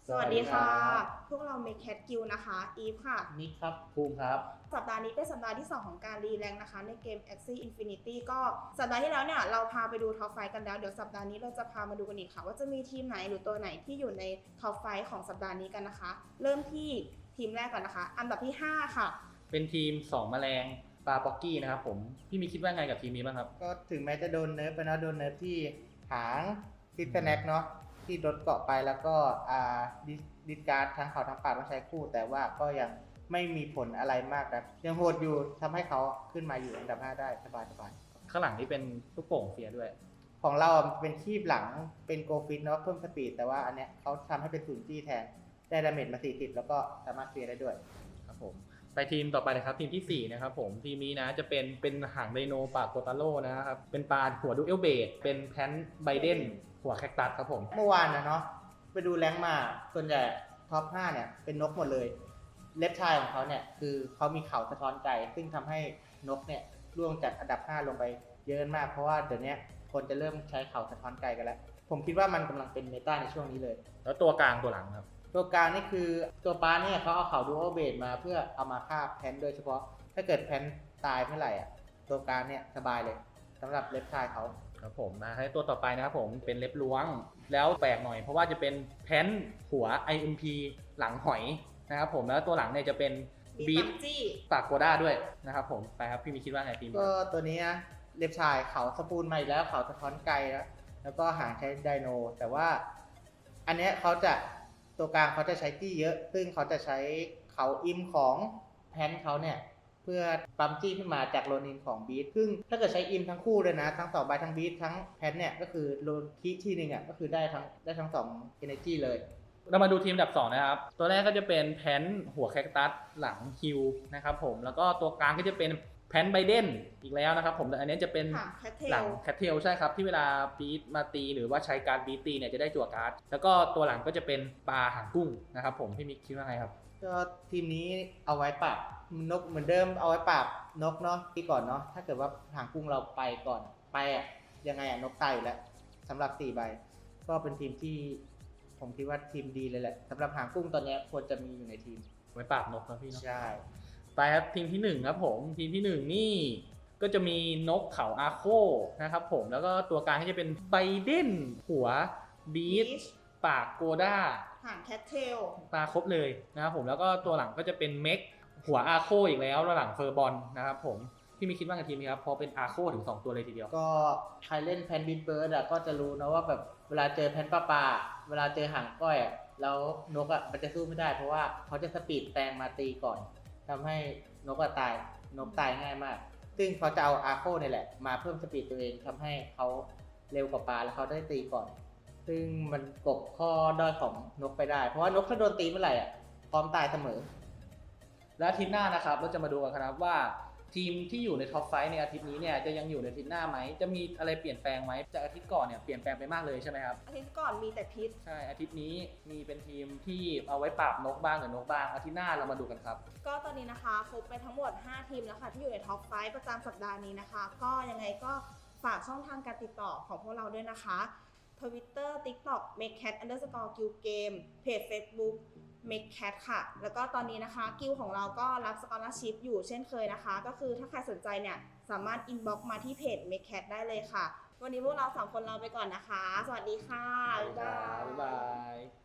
สวัสดีค่ะพวกเราเมคแคทกิลนะคะอีฟค่ะนิกครับภูมิครับสัปดาห์นี้เป็นสัปดาห์ที่2ของการรีแรงนะคะในเกม Axie Infinity ก็สัปดาห์ที่แล้วเนี่ยเราพาไปดูท็อปไฟกันแล้วเดี๋ยวสัปดาห์นี้เราจะพามาดูกันอีกค่ะว่าจะมีทีมไหนหรือตัวไหนที่อยู่ในท็อปไฟของสัปดาห์นี้กันนะคะเริ่มที่ทีมแรกก่อนนะคะอันดับที่5ค่ะเป็นทีม2แมลงปลาป๊อกกี้นะครับผมพี่มีคิดว่าไงกับทีมนี้บ้างครับก็ถึงแม้จะโดนเนิร์ฟไปนะโดนเนิร์ฟที่หางซิสแน็กเนาะที่โดนเกาะไปแล้วก็ดิสการ์ดทั้งเขาทั้งปากต้องใช้คู่ แต่ว่าก็ยังไม่มีผลอะไรมากนะยังโหดอยู่ทำให้เขาขึ้นมาอยู่อันดับ 5 ได้สบายข้างหลังนี่เป็นลูกโป่งเฟียร์ด้วยของเราเป็นคีบหลังเป็นโกฟิตเนาะเพิ่มสปีดแต่ว่าอันเนี้ยเขาทำให้เป็นศูนย์จี้แทนได้ดาเมจมา40แล้วก็สามารถเฟียร์ได้ด้วยครับผมไปทีมต่อไปนะครับทีมที่4นะครับผมทีมนี้นะจะเป็นหางไดโนปากโกตาโร่นะครับเป็นปลาหัวดูเอลเบดเป็นแพนไบเดนหัวแคคตัสครับผมเมื่อวานนะเนาะไปดูแรงค์มาส่วนใหญ่ท็อป 5เนี่ยเป็นนกหมดเลยเล็บชายของเขาเนี่ยคือเขามีเขาสะท้อนไกลซึ่งทำให้นกเนี่ยร่วงจากอันดับ 5 ลงไปเยอะมากเพราะว่าเดี๋ยวนี้คนจะเริ่มใช้เขาสะท้อนไกลกันแล้วผมคิดว่ามันกำลังเป็นเมตาในช่วงนี้เลยแล้วตัวกลางตัวหลังครับตัวกลางนี่คือตัวป้าเนี่ยเขาเอาเขาดูโอเบดมาเพื่อเอามาฆ่าแพนโดยเฉพาะถ้าเกิดแพนตายเมื่อไหร่อ่ะตัวกลางเนี่ยสบายเลยสำหรับเล็บชายเขาครับผมมาให้ตัวต่อไปนะครับผมเป็นเล็บล้วงแล้วแปลกหน่อยเพราะว่าจะเป็นแพนหัว IMP หลังหอยนะครับผมแล้วตัวหลังเนี่ยจะเป็นบีทปากโกด้าด้วยนะครับผมไปครับพี่มีคิดว่าไงทีมก็ตัวนี้นะเล็บชายเขาสปูนมาอีกแล้วเขาสะท้อนไกลแล้วก็หางใช้ไดโนแต่ว่าอันเนี้ยเขาจะตัวกลางเขาจะใช้จี้เยอะซึ่งเขาจะใช้เขาอิมของแพนเขาเนี่ยเพื่อปั๊มจี้ขึ้นมาจากโลนินของบีทซึ่งถ้าเกิดใช้อิมทั้งคู่เลยนะทั้ง2ใบทั้งบีททั้งแพนเนี่ยก็คือโลนคีที่หนึ่งอ่ะก็คือได้ทั้ง2 energy เลยเรามาดูทีมอันดับ2นะครับตัวแรกก็จะเป็นแพนหัวแคคตัสหลังฮิวนะครับผมแล้วก็ตัวกลางก็จะเป็นแพนไบเดนอีกแล้วนะครับผมแต่อันนี้จะเป็นหลังแคทเทลใช่ครับที่เวลาบีทมาตีหรือว่าใช้การบีทตีเนี่ยจะได้จั่วการ์ดแล้วก็ตัวหลังก็จะเป็นปลาหางกุ้งนะครับผมพี่มิกคิดว่าไงครับก็ทีมนี้เอาไว้ปราบนกเหมือนเดิมเอาไว้ปราบนกเนาะที่ก่อนเนาะถ้าเกิดว่าหางกุ้งเราไปก่อนไปอ่ะยังไงอ่ะนกตายอยู่แล้วสำหรับ4ใบก็เป็นทีมที่ผมคิดว่าทีมดีเลยแหละสำหรับหางกุ้งตอนนี้ควรจะมีอยู่ในทีมไว้ปราบนกนะพี่เนาะใช่ไปครับทีมที่1ครับผมทีมที่1นี่ก็จะมีนกเขาอาโคนะครับผมแล้วก็ตัวกลางก็จะเป็นไบเดนหัวบีทปากโกด้าหางแคทเทลมาครบเลยนะครับผมแล้วก็ตัวหลังก็จะเป็นเม็กหัวอาโคอีกแล้วแล้วหลังเฟอร์บอลนะครับผมพี่มีคิดว่ากับทีมนี้ครับพอเป็นอาโคถึง2ตัวเลยทีเดียวก็ใครเล่นแพนบินเบิร์ดอ่ะก็จะรู้นะว่าแบบเวลาเจอแพนปลาเวลาเจอหางก้อยอ่ะแล้วนกอ่ะมันจะสู้ไม่ได้เพราะว่าเขาจะสปีดแตงมาตีก่อนทำให้นกตายนกตายง่ายมากซึ่งเขาจะเอาอาโคนี่แหละมาเพิ่มสปีดตัวเองทำให้เขาเร็วกว่าปลาแล้วเขาได้ตีก่อนซึ่งมันกบข้อด้อยของนกไปได้เพราะว่านกถ้าโดนตีเมื่อไหร่อ่ะพร้อมตายเสมอและอาทิตย์หน้านะครับเราจะมาดูกันครับว่าทีมที่อยู่ในท็อปไฟในอาทิตย์นี้เนี่ยจะยังอยู่ในอาทิตย์หน้าไหมจะมีอะไรเปลี่ยนแปลงไหมจากอาทิตย์ก่อนเนี่ยเปลี่ยนแปลงไปมากเลยใช่ไหมครับอาทิตย์ก่อนมีแต่พิษใช่อาทิตย์นี้มีเป็นทีมที่เอาไว้ปราบนกบ้างหรือนกบ้างอาทิตย์หน้าเรามาดูกันครับก็ตอนนี้นะคะครบไปทั้งหมด5ทีมแล้วค่ะที่อยู่ในท็อปไฟประจำสัปดาห์นี้นะคะก็ยังไงก็ฝากช่องทางการติดต่อของพวกเราด้วยนะคะ Twitter TikTok makecat_guildgame เพจ Facebook makecat ค่ะแล้วก็ตอนนี้นะคะกิลของเราก็รับสกอลาร์ชิพอยู่เช่นเคยนะคะก็คือถ้าใครสนใจเนี่ยสามารถอินบ็อกซ์มาที่เพจ makecat ได้เลยค่ะวันนี้พวกเรา3คนลาไปก่อนนะคะสวัสดีค่ะบ๊ายบาย